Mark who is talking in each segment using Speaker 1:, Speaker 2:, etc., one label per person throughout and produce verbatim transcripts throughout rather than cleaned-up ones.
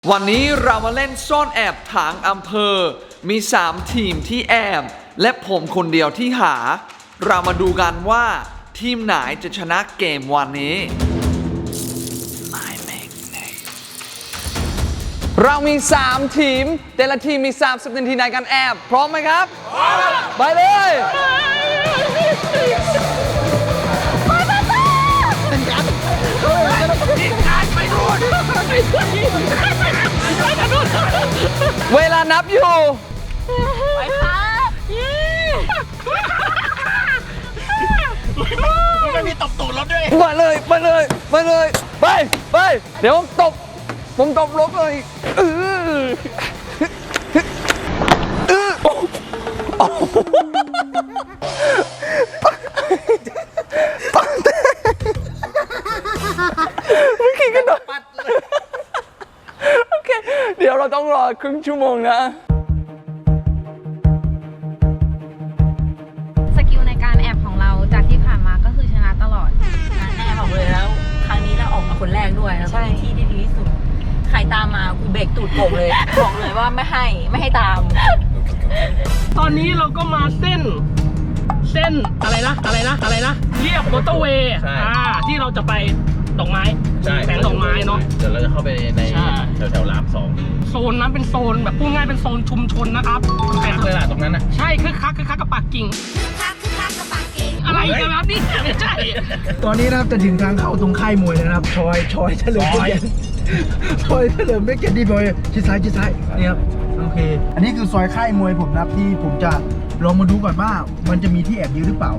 Speaker 1: วันนี้เรามาเล่นซ่อนแอบถางอำเภอมีสามทีมที่แอบและผมคนเดียวที่หาเรามาดูกันว่าทีมไหนจะชนะเกมวันนี้เรามีสามทีมแต่ละทีมมีสามสิบนาทีในการแอบพร้อมไหมครับพร้อมไปเลยเวลานับอยู่ไปครับ
Speaker 2: ไม่มีตบตูดรถด้วย
Speaker 1: ไปเลยไปเลยไปเลยไปไปเดี๋ยวผมตบผมตบรถเลยเออเออเมื่อกี้กันโดนโอเคเดี๋ยวเราต้องรอครึ่งชั่วโมงนะ
Speaker 3: สกิลในการแอบของเราจากที่ผ่านมาก็คือชนะตลอด
Speaker 4: แอบออกเลยแล้วครั้งนี้เราออกมาคนแรกด้วยแล้วก็มีที่ที่ดีที่สุดใครตามมากูเบรกตูดโก่งเลย บอกเลยว่าไม่ให้ไม่ให้ตาม
Speaker 2: ตอนนี้เราก็มาเส้นเส้นอะไรนะอะไรนะอะไรนะเรียบมอเตอร์เวย์อ่าที่เราจะไปดอกไม้แสงดอกไม้เนาะ
Speaker 5: เดี๋ยวเราจะเข้าไปในแถวแถวรามสอง
Speaker 2: โซนนั้นเป็นโซนแบบพูดง่ายเป็นโซนชุมชนนะครับ
Speaker 5: คึกเลยล่ะตรงนั้นนะ
Speaker 2: ใช่คึกคักคึกคักกับปากกิ่งอะไรกันครับนี่ไม่ใช่
Speaker 6: ตอนนี้นะครับจะถึงทางเข้าตรงค่ายมวยนะครับชอยชอยเฉลิมเกียรติชอยเฉลิมเกียรติดีบอยชิดซ้ายชิดซ้ายนี่ครับโอเคอันนี้คือซอยค่ายมวยผมนะครับที่ผมจะลองมาดูก่อนว่ามันจะมีที่แอบยืนหรือเปล่า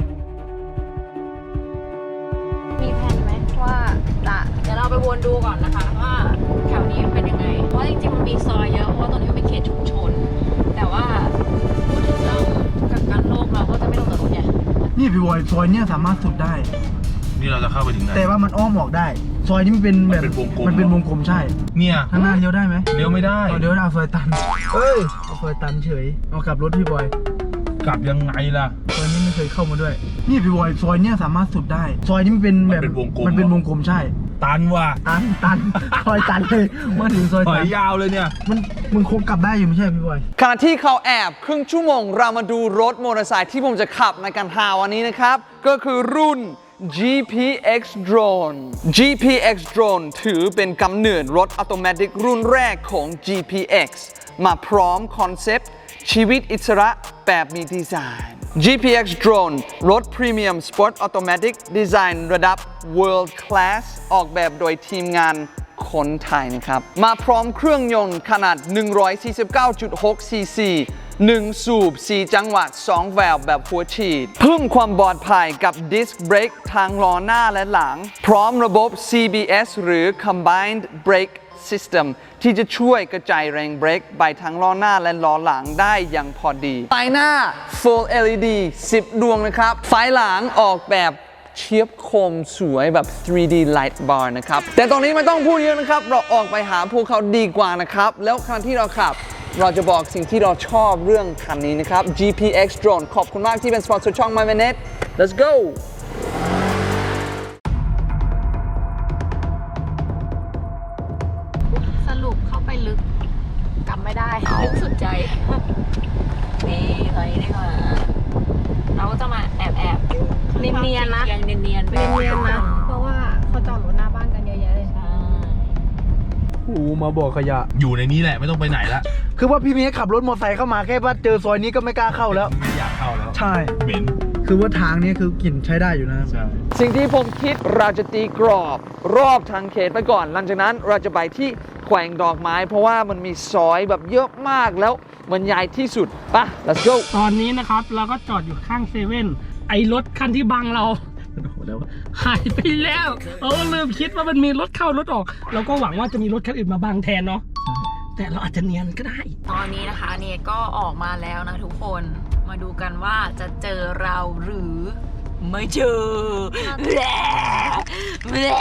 Speaker 3: มีแผนไหมว่าจะ
Speaker 4: เดี๋ยวเราไปวนดูก่อนนะคะว่าแถวนี้เป็นยังไงเพราะจริงๆมันมีซอยเยอะเพราะว่าตรงนี้มันเป็นเขตชุมชนแต่ว่าพูดถึงเรื่องกักกันโรคเราก็จะไม่ลงกับรถเนี่ย
Speaker 6: นี่พี่บอยซอยเนี้ยสามารถสุดได้
Speaker 5: นี่เราจะเข้าไปถึงไหน
Speaker 6: แต่ว่ามันอ้อมออกได้ซอยนี้มันเป็นแบบมันเป็นวงกลมใช่
Speaker 5: เนี่ย
Speaker 6: ข้างหน้าเลี้ยวได้ไหม
Speaker 5: เลี้ยวไม่ได้
Speaker 6: เลี้ยวได้ซอยตันเอ้ยซอยตันเฉยเอากลับรถพี่บอย
Speaker 5: กลับยังไงล่ะ
Speaker 6: ซอยนี้ไม่เคยเข้ามาด้วยนี่พี่บอยซอยเนี้ยสามารถสุดได้ซอยนี้มันเป็นแบบมันเป็นวงกลมใช่
Speaker 5: ตันว่ะ
Speaker 6: ตันตันซอยตันเลยมาถึงซอยตัน
Speaker 5: ยาวเลยเนี่ย
Speaker 6: มันมึงคงกลับได้อยู่ไม่ใช่พี่บอย
Speaker 1: ขณะที่เขาแอบครึ่งชั่วโมงเรามาดูรถมอเตอร์ไซค์ที่ผมจะขับในการหาวันนี้นะครับก็คือรุ่น จี พี เอ็กซ์ Drone จี พี เอ็กซ์ Drone ถือเป็นกำเนิดรถอัตโนมัติรุ่นแรกของ จี พี เอ็กซ์ มาพร้อมคอนเซปต์ชีวิตอิสระแบบมีดีไซน์ จี พี เอ็กซ์ Drone รถพรีเมียมสปอร์ตออโตเมติกดีไซน์ระดับ World Class ออกแบบโดยทีมงานคนไทยนะครับมาพร้อมเครื่องยนต์ขนาด หนึ่งร้อยสี่สิบเก้าจุดหก ซี ซี หนึ่ง สูบ สี่ จังหวะ สอง แวลวแบบหัวฉีดเพิ่มความปลอดภัยกับดิสก์เบรกทางล้อหน้าและหลังพร้อมระบบ ซี บี เอส หรือ Combined Brake System ที่จะช่วยกระจายแรงเบรกไปทั้งล้อหน้าและล้อหลังได้อย่างพอดีไฟหน้า Full แอล อี ดี สิบ ดวงนะครับไฟหลังออกแบบเฉียบคมสวยแบบ ทรี ดี Light Bar นะครับแต่ตอนนี้ไม่ต้องพูดเยอะนะครับเราออกไปหาพวกเขาดีกว่านะครับแล้วขณะที่เราขับเราจะบอกสิ่งที่เราชอบเรื่องคันนี้นะครับ จี พี เอ็กซ์ Drone ขอบคุณมากที่เป็นสปอนเซอร์ช่อง My Minute Let's go
Speaker 3: สรุปเข้าไปลึกกลับไม่ได้
Speaker 4: ลึกสุดใจนี่ตอนนี้ดีกว่าเราก็จะมาแอบแอบ
Speaker 3: เนียนๆนะ
Speaker 4: ยังเนียนๆไป
Speaker 3: เนียนๆนะเพราะว่าเขาจอดรถหน้าบ้านกันเยอะแยะเลย
Speaker 6: โอ้มาบอกขยะ
Speaker 5: อยู่ในนี้แหละไม่ต้องไปไหนละ
Speaker 6: คือว่าพี่เมย์ขับรถมอเตอร์ไซค์เข้ามาแค่ว่าเจอซอยนี้ก็ไม่กล้าเข้าแล้ว
Speaker 5: ไม่อยากเข้าแล้ว
Speaker 6: ใช่
Speaker 5: เหม็น
Speaker 6: คือว่าทางนี้คือกลิ่นใช้ได้อยู่นะ
Speaker 5: ใช่
Speaker 1: สิ่งที่ผมคิดเราจะตีกรอบรอบทางเขตไปก่อนหลังจากนั้นเราจะไปที่แขวงดอกไม้เพราะว่ามันมีซอยแบบเยอะมากแล้วมันใหญ่ที่สุดปะ let's go
Speaker 2: ตอนนี้นะครับเราก็จอดอยู่ข้างเซเว่นไอรถคันที่บังเราหายไปแล้วเออลืมคิดว่ามันมีรถเข้ารถออกเราก็หวังว่าจะมีรถคันอื่นมาบังแทนเนาะแต่เราอาจจะเนียนก็ได้
Speaker 4: ตอนนี้นะคะเนี่ยก็ออกมาแล้วนะทุกคนมาดูกันว่าจะเจอเราหรือไม่เจอแหละแหละ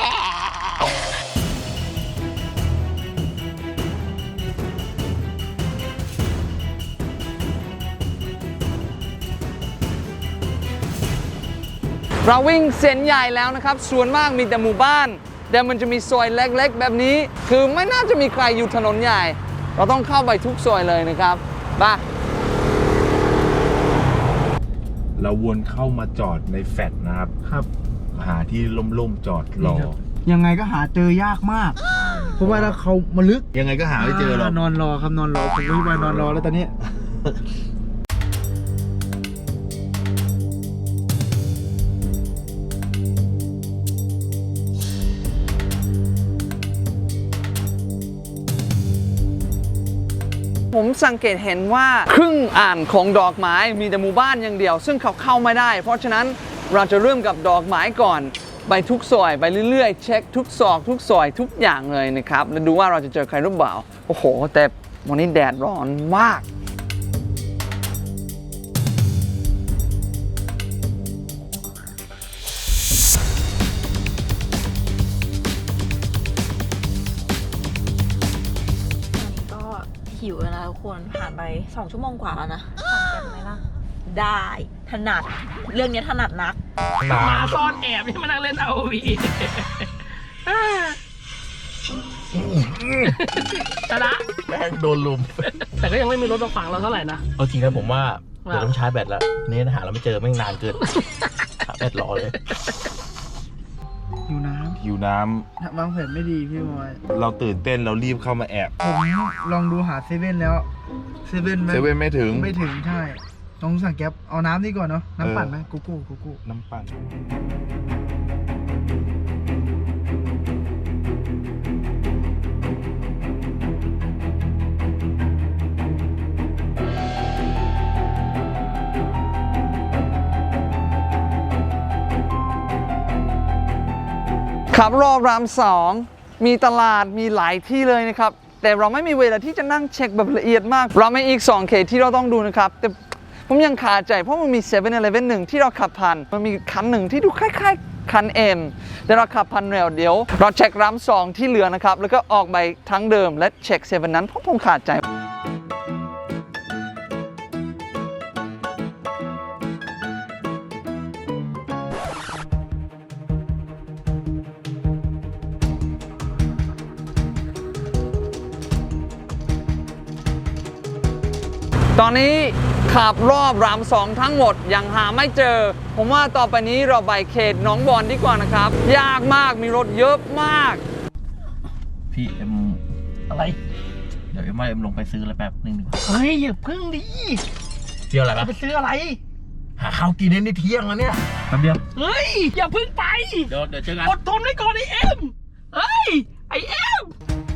Speaker 1: เราวิ่งเส้นใหญ่แล้วนะครับส่วนมากมีแต่หมู่บ้านแต่มันจะมีซอยเล็กๆ แบบนี้ คือไม่น่าจะมีใครอยู่ถนนใหญ่ เราต้องเข้าไปทุกซอยเลยนะครับไป
Speaker 5: เราวนเข้ามาจอดในแฟลตนะครับ
Speaker 6: ครับ
Speaker 5: หาที่ล่มๆจอดรอ
Speaker 6: ยังไงก็หาเจอยากมาก เพราะว่าถ้าเขามาลึก
Speaker 5: ยังไงก็หาไม่เจอหรอก
Speaker 6: นอนรอครับนอนรอผมไม่ไปนอนรอแล้วตอนนี้
Speaker 1: ผมสังเกตเห็นว่าครึ่งอ่านของดอกไม้มีแต่หมู่บ้านอย่างเดียว ซึ่งเขาเข้าไม่ได้ เพราะฉะนั้นเราจะเริ่มกับดอกไม้ก่อนไปทุกซอยไปเรื่อยๆ เช็คทุกซอกทุกซอยทุกอย่างเลยนะครับแล้วดูว่าเราจะเจอใครหรือเปล่าโอ้โหแต่วันนี้แดดร้อนมาก
Speaker 4: ก็หิวแล้วนะทุกคนผ่านไปสองชั่วโมงกว่าแล้วนะสั่งกันไหมล่ะ ได้ถนัดเรื่องนี้ถนัดนัก
Speaker 2: มาซ่อนแอบให้มานั่งเล่น อาร์ โอ วี ชนะ
Speaker 5: แม่งโดนลุม
Speaker 2: แต่ก็ยังไม่มีรถมาขวางเราเท่าไหร่นะ
Speaker 5: เอาจริงนะผมว่า
Speaker 2: ว่า
Speaker 5: เดี๋ยวต้องชาร์จแบตแล้วนี่หาเราไม่เจอแม่งนานเกิน ชาร์จแบตรอเลย
Speaker 6: อยู่น้
Speaker 5: หิวน้
Speaker 6: ำวางแผนไม่ดีพี่บอย
Speaker 5: ำเราตื่นเต้นเรารีบเข้ามาแอบ
Speaker 6: ผมลองดูหาเซเว่นแล้วเซเว่น
Speaker 5: เซเว่นไม่ถึง
Speaker 6: ไม่ถึงใช่ต้องสั่งแก๊ปเอาน้ำนี่ก่อนเนาะน้ำปั่นไหม
Speaker 5: เออ
Speaker 6: กูกูกูกู
Speaker 5: น้ำปั่น
Speaker 1: ขับรอบรามสองมีตลาดมีหลายที่เลยนะครับแต่เราไม่มีเวลาที่จะนั่งเช็คแบบละเอียดมากเราไม่อีกสองเขตที่เราต้องดูนะครับแต่ผมยังคาใจเพราะมันมีเซเว่นอีเลฟเว่นหนึ่งที่เราขับผ่านมันมีคันหนึ่งที่ดูคล้ายๆคันเอ็มแต่เราขับผ่านเร็วเดี๋ยวเราเช็ครามสองที่เหลือนะครับแล้วก็ออกไปทั้งเดิมและเช็คเซเว่นนั้นเพราะผมขาดใจตอนนี้ขับรอบรามสองทั้งหมดยังหาไม่เจอ ผมว่าต่อไปนี้เราไปเขตหนองบอนดีกว่านะครับ ยากมากมีรถเยอะมาก
Speaker 5: พี่เอ็ม
Speaker 2: อะไร
Speaker 5: เดี๋ยวเอ็มว่าเอ็มลงไปซื้ออะไรแป๊บนึงดีกว่า
Speaker 2: เฮ้ยอย่าพึ่งดิ
Speaker 5: เที่ยวอะไรปะ
Speaker 2: ไปซื้ออะไร
Speaker 5: หาข้าวกินในเที่ยงแล้วเนี่ยแป๊บเดียว
Speaker 2: เฮ้ย อย่าพึ่งไป
Speaker 5: เดี๋ยวเดี๋ยวเจอกัน
Speaker 2: อดทนไว้ก่อนไอเอ็มเฮ้ย ไอเอ็ม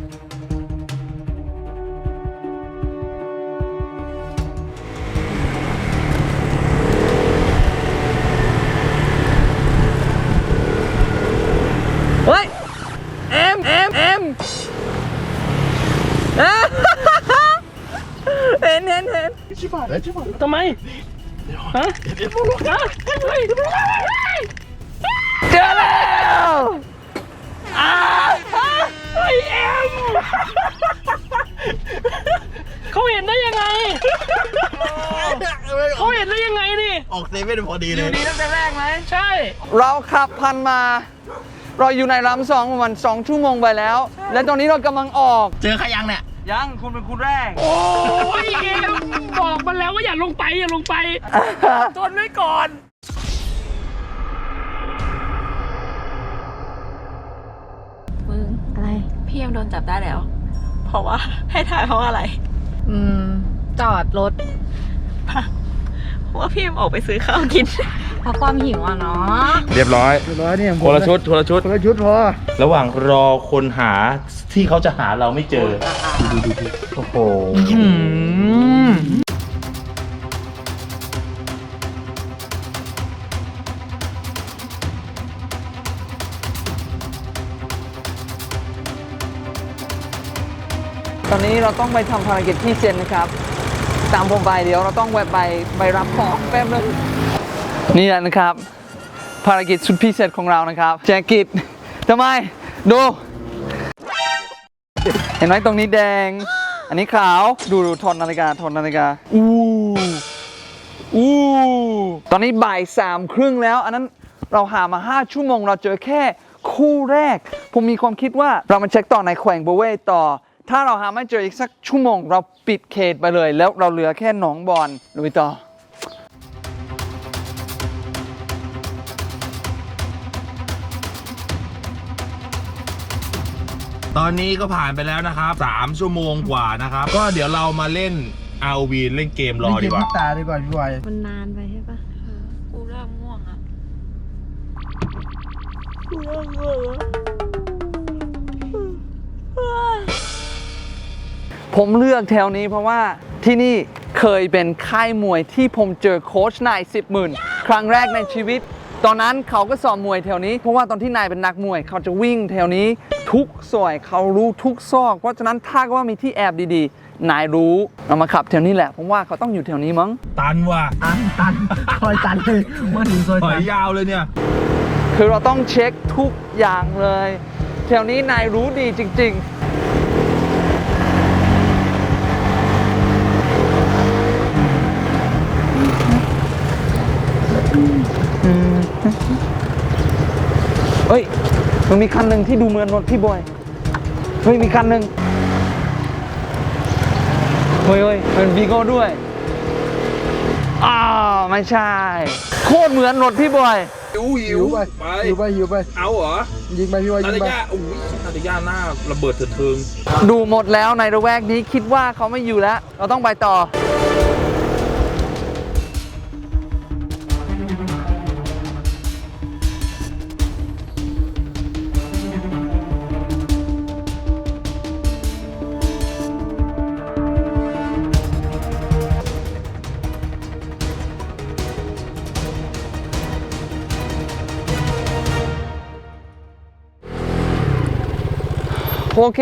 Speaker 1: เฮ้ย เอ็มเอ็มเอ็มเห็นเห็นเห็น
Speaker 5: ชิบหายแล้วชิบหาย
Speaker 2: ทำไม ฮะฮะเฮ้ย
Speaker 1: เจอแล้วอ้า
Speaker 2: ไอเอ็มเขาเห็นได้ยังไง เขาเห็นได้ยังไงนี่
Speaker 5: ออกเซเว่นพอดีเลย
Speaker 2: ดีตั้งแต่แรกไหม ใช่
Speaker 1: เราขับพันมา เราอยู่ในรามสองประมาณสองชั่วโมงไปแล้ว และตอนนี้เรากำลังออก
Speaker 5: เจอใครยังเนี่ย
Speaker 1: ยังคุณเป็นคุณแรก
Speaker 2: โอ้ยเอ็มบอกมันแล้วว่าอย่าลงไปอย่าลงไปทนไว้ก่อน
Speaker 4: มึงอะไร พี่ยังโดนจับได้แล้ว เพราะว่าให้ถ่ายเพราะอะไร
Speaker 3: อืม จอดรถ
Speaker 4: เพราะว่าพี่ยังออกไปซื้อข้าวกิน
Speaker 3: เพราะความหิวอ่ะเนาะ
Speaker 5: เรียบร้อย
Speaker 6: เรียบร้อยเนี่ยผม
Speaker 5: คนละชุดคนละชุด
Speaker 6: คนละชุดพอ
Speaker 5: ระหว่างรอคนหาที่เขาจะหาเราไม่เจอ ดูดูดูโอ้โห
Speaker 1: ตอนนี้เราต้องไปทำภารกิจที่เซนนะครับ ตามผมไปเดี๋ยวเราต้องแวะไปไปรับของแป๊บนึงนี่แหละนะครับ ภารกิจสุดพิเศษของเรานะครับแจกิจทำไม ดู เห็นไหมตรงนี้แดง อันนี้ขาว ดูดูทอนนาฬิกาทอนนาฬิกา อู้อู้ตอนนี้บ่ายสามครึ่งแล้ว อันนั้นเราหามาห้าชั่วโมงเราเจอแค่คู่แรก ผมมีความคิดว่าเรามาเช็คต่อในแขวงโบเวต่อ ถ้าเราหาไม่เจออีกสักชั่วโมงเราปิดเขตไปเลย แล้วเราเหลือแค่หนองบอนลุยต่อ
Speaker 5: ตอนนี้ก็ผ่านไปแล้วนะครับสามชั่วโมงกว่านะครับก็เดี๋ยวเรามาเล่น อาร์ โอ วี เล่นเกมรอดีกว่า
Speaker 6: เล่นเกมลูกตาดีกว่าพี่บอย
Speaker 3: มันนานไปใช่ปะ
Speaker 4: กูเริ่มง่วงอ่ะ
Speaker 1: ผมเลือกแถวนี้เพราะว่าที่นี่เคยเป็นค่ายมวยที่ผมเจอโค้ชนายสิบหมื่นครั้งแรกในชีวิต ตอนนั้นเขาก็สอนมวยแถวนี้เพราะว่าตอนที่นายเป็นนักมวยเขาจะวิ่งแถวนี้ทุกซอยเขารู้ทุกซอกเพราะฉะนั้นถ้าว่ามีที่แอบดีๆนายรู้เรามาขับแถวนี้แหละผมว่าเขาต้องอยู่แถวนี้มั้ง
Speaker 5: ตันว่ะ
Speaker 6: ตันตันซอยตันเลยมาถึงซอย
Speaker 5: ถอ
Speaker 6: ตั
Speaker 5: ย
Speaker 6: น
Speaker 5: ยาวเลยเนี่ย
Speaker 1: คือเราต้องเช็คทุกอย่างเลย แถวนี้นายรู้ดีจริงๆเฮ้ย มันมีคันหนึ่งที่ดูเหมือนรถพี่บอย เฮ้ย มีคันหนึ่งเฮ้ยเฮ้ยเป็นวีโก้ด้วย อ้าว ไม่ใช่ โคตรเหมือนรถพี่บอย
Speaker 5: หิวหิ
Speaker 6: หิ
Speaker 5: ว
Speaker 6: วไป
Speaker 5: ไป
Speaker 6: หิวไปหิวไป
Speaker 5: เอาเหรอ
Speaker 6: ยิงไปพี่บอย
Speaker 5: นา
Speaker 6: ยิง
Speaker 5: ตา
Speaker 6: ไป
Speaker 5: ยาอุ้ยนาตายาหน้าระเบิดเถิดเทิง
Speaker 1: ดูหมดแล้วในระแวกนี้คิดว่าเขาไม่อยู่แล้ว เราต้องไปต่อ โอเค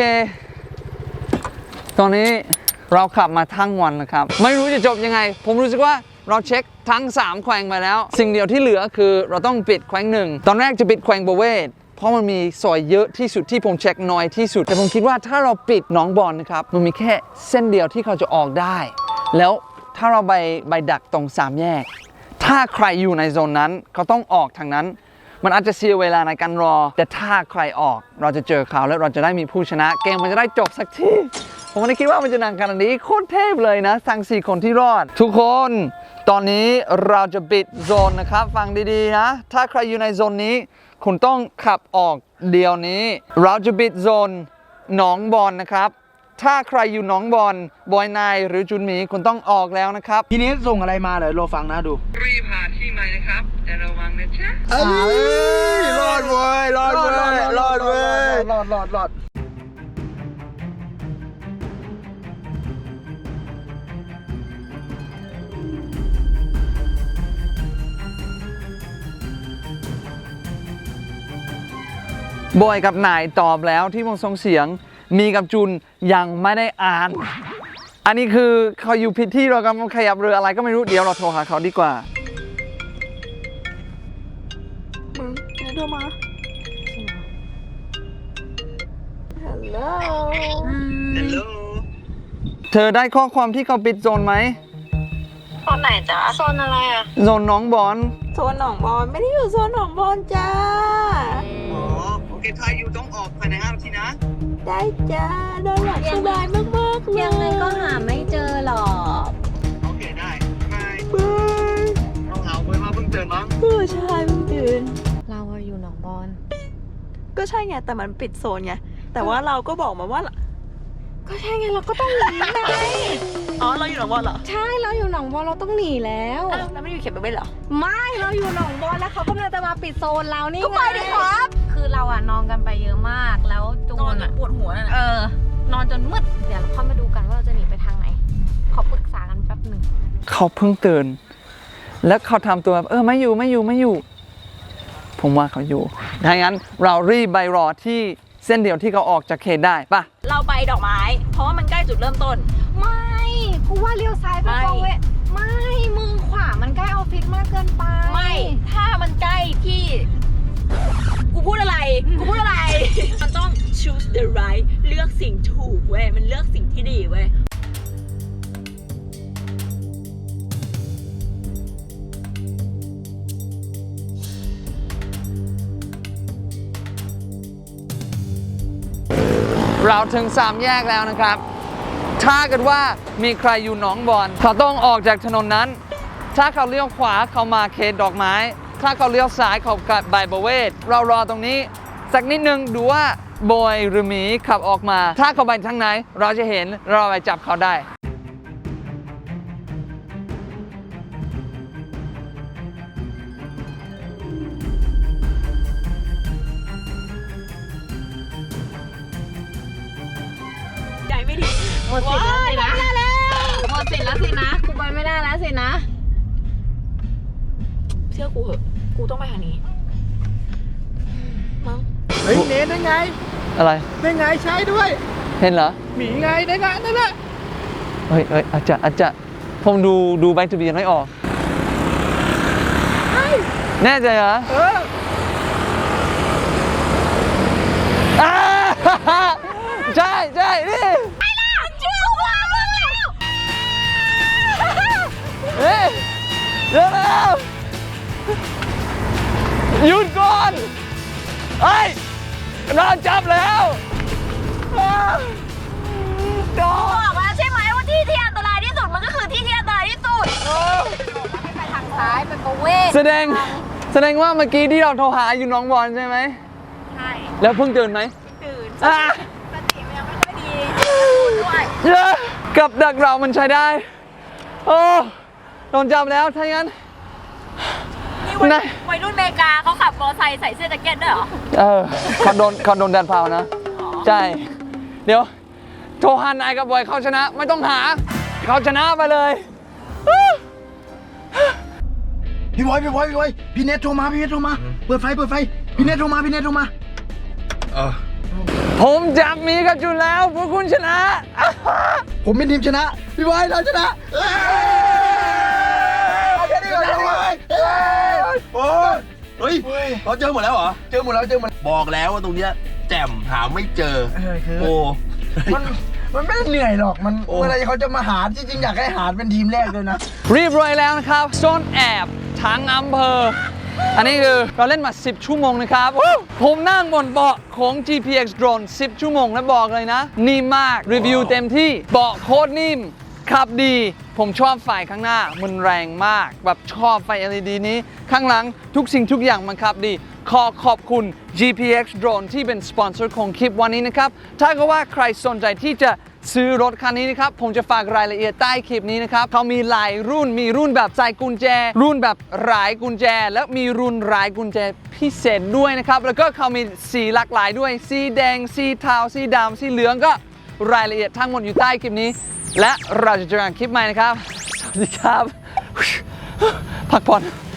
Speaker 1: ตอนนี้เราขับมาทั้งวันนะครับ ไม่รู้จะจบยังไง ผมรู้สึกว่าเราเช็คทั้งสามแขวงไปแล้ว สิ่งเดียวที่เหลือคือเราต้องปิดแขวงหนึ่ง ตอนแรกจะปิดแขวงโบเวตเพราะมันมีซอยเยอะที่สุดที่ผมเช็คน้อยที่สุด แต่ผมคิดว่าถ้าเราปิดหนองบอนนะครับ มันมีแค่เส้นเดียวที่เขาจะออกได้ แล้วถ้าเราไปไปดักตรงสามแยก ถ้าใครอยู่ในโซนนั้นเขาต้องออกทางนั้น มันอาจจะเสียเวลาในการรอ แต่ถ้าใครออกเราจะเจอเขาแล้วเราจะได้มีผู้ชนะ เกมมันจะได้จบสักที ผมไม่ได้คิดว่ามันจะนานขนาดนี้โคตรเทพเลยนะทั้งสี่คนที่รอด ทุกคนตอนนี้เราจะปิดโซนนะครับ ฟังดีๆนะ ถ้าใครอยู่ในโซนนี้ คุณต้องขับออกเดี๋ยวนี้ เราจะปิดโซนหนองบอนนะครับ ถ้าใครอยู่หนองบอนบอยนายหรือจุนหมีคุณต้องออกแล้วนะครับ
Speaker 6: ทีนี้ส่งอะไรมาเดี๋ยวรอฟังนะดู
Speaker 1: รีบหาที่ใหม่นะครับแต่ระวังนะจ๊ะ
Speaker 6: เอ้ย
Speaker 5: รอดเว้ยรอดเว้ยรอดเว้ย
Speaker 6: รอดรอดรอด
Speaker 1: บอยกับนายตอบแล้วที่ผมส่งเสียงมีกับจุนยังไม่ได้อ่าน อันนี้คือเขาอยู่ผิดที่เรากำลังขยับเรืออะไรก็ไม่รู้เดี๋ยวเราโทรหาเขาดีกว่า
Speaker 4: มึงไหนโทรมา
Speaker 1: เธอได้ข้อความที่เขาปิดโซนไหม
Speaker 4: โซนไหนจ๊ะโซนอะไรอ่ะ
Speaker 1: โซนน้องบอล
Speaker 4: โซนหนองบอลไม่ได้อยู่โซนหนองบอลจ้า
Speaker 1: อ๋อโอเคถ้าอยู่ต้องออกภายในห้านาทีนะ
Speaker 4: ได้จ้าโดนหลับสบายมากๆเลย
Speaker 3: ยังไงก็หาไม่เจอหรอก
Speaker 1: โอเคได้บายเราเหงาเว้ยมาเพิ่งตื่นมั้ง
Speaker 4: เออใช่เพิ่งตื่น
Speaker 3: เราอะอยู่หนองบอน
Speaker 4: ก็ใช่ไงแต่มันปิดโซนไงแต่ว่าเราก็บอกมาว่า
Speaker 3: ก็ใช่ไงเราก็ต้องหนีไง
Speaker 4: อ๋อเราอยู่หนองบอลเหรอ
Speaker 3: ใช่เราอยู่หนองบอนเราต้องหนีแล้ว
Speaker 4: อ้าวแล้วไม่ได้อยู่เขตไปเว้นเหรอ
Speaker 3: ไม่เราอยู่หนองบอนแล้วเขากำลังจะมาปิดโซนเรานี่
Speaker 4: ก็ไปดิครับ
Speaker 3: คือเราอะนอนกันไปเยอะมากแล้วจู
Speaker 4: นอน
Speaker 3: น
Speaker 4: จน
Speaker 3: อะ
Speaker 4: ปวดหัวนั่น
Speaker 3: เอ
Speaker 4: น่ะ
Speaker 3: อนอนจนมืดเดี๋ยวเราค่อยมาดูกันว่าเราจะหนีไปทางไหนขอปรึกษากันแป๊บหนึ่ง
Speaker 1: เขาเพิ่งตื่น แล้วเขาทำตัวแบบเออไม่อยู่ไม่อยู่ไม่อยู่ ผมว่าเขาอยู่ดังนั้นเรารีบไปรอที่เส้นเดียวที่เขาออกจากเขตได้ป่ะ
Speaker 4: เราไปดอกไม้ เพราะว่ามันใกล้จุดเริ่มต้น
Speaker 3: ไม่กูว่าเลี้ยวซ้ายไป
Speaker 4: ไม่
Speaker 3: โปรเวไม่มึงขวามันใกล้ออฟฟิศมากเกินไป
Speaker 4: ไม่ ถ้ามันใกล้ที่ กูพูดอะไร กูพูดอะไร มันต้อง choose the right เลือกสิ่งถูกเว้ย มันเลือกสิ่งที่ดีเว้ย
Speaker 1: เราถึงสามแยกแล้วนะครับ ถ้าเกิดว่ามีใครอยู่หนองบอนเขาต้องออกจากถนนนั้น ถ้าเขาเลี้ยวขวาเขามาเขตดอกไม้ ถ้าเขาเลี้ยวซ้ายเขากลับใบประเวศเรารอตรงนี้สักนิดนึงดูว่าบอยหรือหมีขับออกมา ถ้าเขาไปทางไหนเราจะเห็นเราไปจับเขาได้
Speaker 4: ใจไม่ดีหมดสิทธิ์แล้วสินะหมดสิทธิ์แล้วสินะกูไปไม่ได้แล้วสินะเชื่อกูเหอะกูต้องไปทางนี้มั้ง
Speaker 6: เฮ้ยเนทได้ไง
Speaker 1: อะไร
Speaker 6: ได้ไงใช้ด้วย
Speaker 1: เห็นเหรอ
Speaker 6: หมีไงได้ไงนั่นแหละ
Speaker 1: เฮ้ยเฮ้ยอาจจะอาจจะผมดูดูใบทะเบียนไม่ออกแน่ใจเหรอ
Speaker 6: เออ
Speaker 1: อ่า ใช่ใช่นี่
Speaker 4: เชื่อว่ามึงแล้ว
Speaker 1: เฮ้ยเร็วเร็วหยุดก่อนเฮ้ยเราจับแล้วอ้าวโดน
Speaker 4: บอกแล้วใช่ไหมว่าที่ที่อันตรายที่สุดมันก็คือที่ที่อันตรายที่สุดให้ไปทางซ้ายไปประเวศ
Speaker 1: แสดงแสดงว่าเมื่อกี้ที่เราโทรหาอยู่หน้องบอลใช่ไหม
Speaker 4: ใช่
Speaker 1: แล้วเพิ่งตื่นไหม
Speaker 4: ตื่น
Speaker 1: อ่า
Speaker 4: สติมันยังไม่ค่อยดีด้วย
Speaker 1: เยอะกับดักเรามันใช้ได้ โอ้โดนจับแล้วถ้าอย่างนั้น
Speaker 4: นี่วัย
Speaker 1: นาย
Speaker 4: วัยรุ่นอเมริกาเขาขับมอเตอร์ไซค์ใส่เสื้อแจ็คเก็ตด้วยเหรอ
Speaker 1: เออเขาโดนเขาโดนแดนเผานะ ใช่ เดี๋ยว โทรหานายกับบอยเขาชนะ ไม่ต้องหา เขาชนะไปเลย
Speaker 6: พี่บอยพี่บอยพี่บอยพี่เนทโทรมาพี่เนทโทรมาเปิดไฟเปิดไฟพี่เนทโทรมาพี่เนทโทรมา
Speaker 5: เออ
Speaker 1: ผมจับมีกับจุนแล้วพวกคุณชนะ
Speaker 6: ผมเป็นทีมชนะ พี่บอยเราชนะเอ้ยเอาแค่นี้ก่อนพี่บอยเอ้ย
Speaker 5: โอ้ยเฮ้ยเราเจอหมดแล้วเหรอ
Speaker 6: เจอหมดแล้วเจอหมดแล้ว
Speaker 5: บอกแล้วว่าตรงเนี้ยแจ่มหาไม่เจอ
Speaker 6: เออคือ
Speaker 5: โอ้
Speaker 6: มันมันไม่ได้เหนื่อยหรอกมัน
Speaker 5: โอ้
Speaker 6: เวลาเขาจะมาหาจริงๆอยากให้หาเป็นทีมแรกเลยนะ
Speaker 1: เรียบร้อยแล้วนะครับซ่อนแอบทั้งอำเภอ อันนี้คือเราเล่นมา สิบ ชั่วโมงนะครับวู้ผมนั่งบนเบาะของ จี พี เอ็กซ์ Drone สิบ ชั่วโมงแล้วบอกเลยนะ นิ่มมาก รีวิวเต็มที่ เบาะโคตรนิ่ม ขับดี ผมชอบไฟข้างหน้า มันแรงมาก แบบชอบไฟ แอล อี ดี นี้ ข้างหลังทุกสิ่งทุกอย่างมันขับดี ขอขอบคุณ จี พี เอ็กซ์ Drone ที่เป็นสปอนเซอร์ของคลิปวันนี้นะครับ ถ้าเกิดว่าใครสนใจที่จะซื้อรถคันนี้นะครับ ผมจะฝากรายละเอียดใต้คลิปนี้นะครับ เขามีหลายรุ่น มีรุ่นแบบใส่กุญแจ รุ่นแบบหลายกุญแจ แล้วมีรุ่นหลายกุญแจพิเศษด้วยนะครับ แล้วก็เขามีสีหลากหลายด้วย สีแดง สีเทา สีดำ สีเหลือง ก็รายละเอียดทั้งหมดอยู่ใต้คลิปนี้ และเราจะเจอกันคลิปใหม่นะครับ สวัสดีครับ พักผ่อน